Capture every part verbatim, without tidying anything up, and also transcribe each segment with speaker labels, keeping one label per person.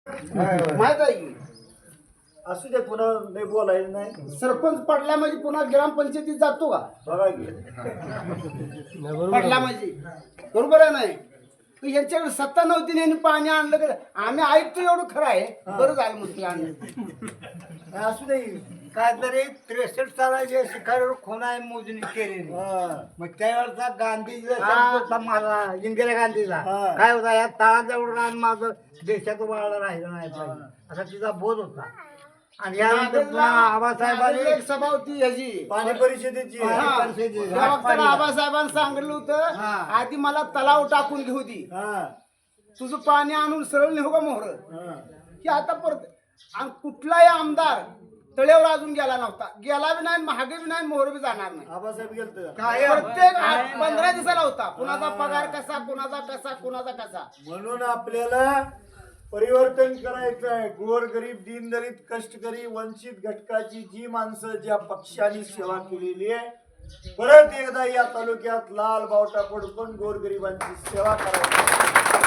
Speaker 1: माहित आहे की
Speaker 2: असू दे, पुन्हा नाही बोलायचं नाही.
Speaker 1: सरपंच पडला म्हणजे पुन्हा ग्रामपंचायतीत जातो का?
Speaker 2: बघा की
Speaker 1: पडला म्हणजे बरोबर आहे नाही. तर यांच्याकडे सत्ता नव्हती आणि यांनी पाणी आणलं का आम्ही ऐकतो एवढं खरं आहे. बरं झालं म्हणतो आणलं.
Speaker 2: असू दे.
Speaker 3: काय तरी त्रेसष्ट सालाचे शिखारीवर खुणा मोजणी केलेली.
Speaker 2: हा.
Speaker 3: मग त्यावेळेचा गांधीचा
Speaker 1: हा.
Speaker 3: शब्द होता माझा, इंदिरा गांधीचा
Speaker 2: हा.
Speaker 3: काय होता, या तळाजवळ रान माझं देशात वाळलं राहिलं नाही पाहिजे असा तिचा बोध होता. आणि यानंतर पुन्हा आबासाहेबांनी
Speaker 1: एक सभा होती ह्याची
Speaker 2: पाणी परिषदेची
Speaker 1: हा.
Speaker 3: परिषदेची.
Speaker 1: त्या वक्ताला आबासाहेबांनी सांगितलं होतं
Speaker 3: हा.
Speaker 1: आधी मला तलाव टाकून घेऊ दे,
Speaker 2: हा.
Speaker 1: तुझं पाणी आणून सरळ नेऊ का मोहर.
Speaker 2: हा.
Speaker 1: की आता परत आणि कुठलाही आमदार तळेवर अजून गेला नव्हता, गेला बी नाही, महागे बी नाही, मोहर बी जाणार नाही.
Speaker 2: आबासाहेब गेलत
Speaker 3: काय
Speaker 1: प्रत्येक आठ- पंधरा दिवसाला होता. कुणाचा पगार कसा, कुणाचा कसा, कुणाचा कसा.
Speaker 2: म्हणून आपल्याला परिवर्तन करायचं आहे. गोरगरीब, दीनदलित, कष्टकरी, वंचित घटकाची जी माणसं ज्या पक्षाने सेवा केलेली आहे, परत एकदा या तालुक्यात लाल बावटा पडून गोरगरिबांची सेवा करायची.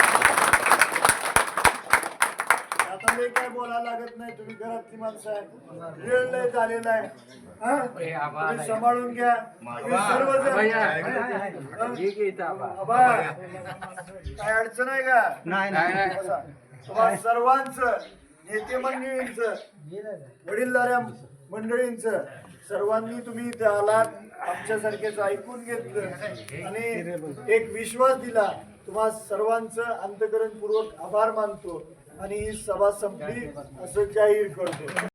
Speaker 2: आता मी काय बोलायला लागत नाही, तुम्ही घरातली माणसं आहे, वेळ लय झालेला आहे. हा? तुम्ही सांभाळून घ्या. तुम्ही सर्वजण आबा, काय अडचण आहे का?
Speaker 3: नाही नाही
Speaker 2: बसा. तुम्हा सर्वांचं, नेते मंडळींचं, वडीलधाऱ्या मंडळींचं, सर्वांनी तुम्ही इथे आलात, आमच्यासारखेच ऐकून घेतलं आणि एक विश्वास दिला. तुम्हा सर्वांचं अंतःकरणपूर्वक आभार मानतो आणि ही सभा संपली असं जाहीर करतो.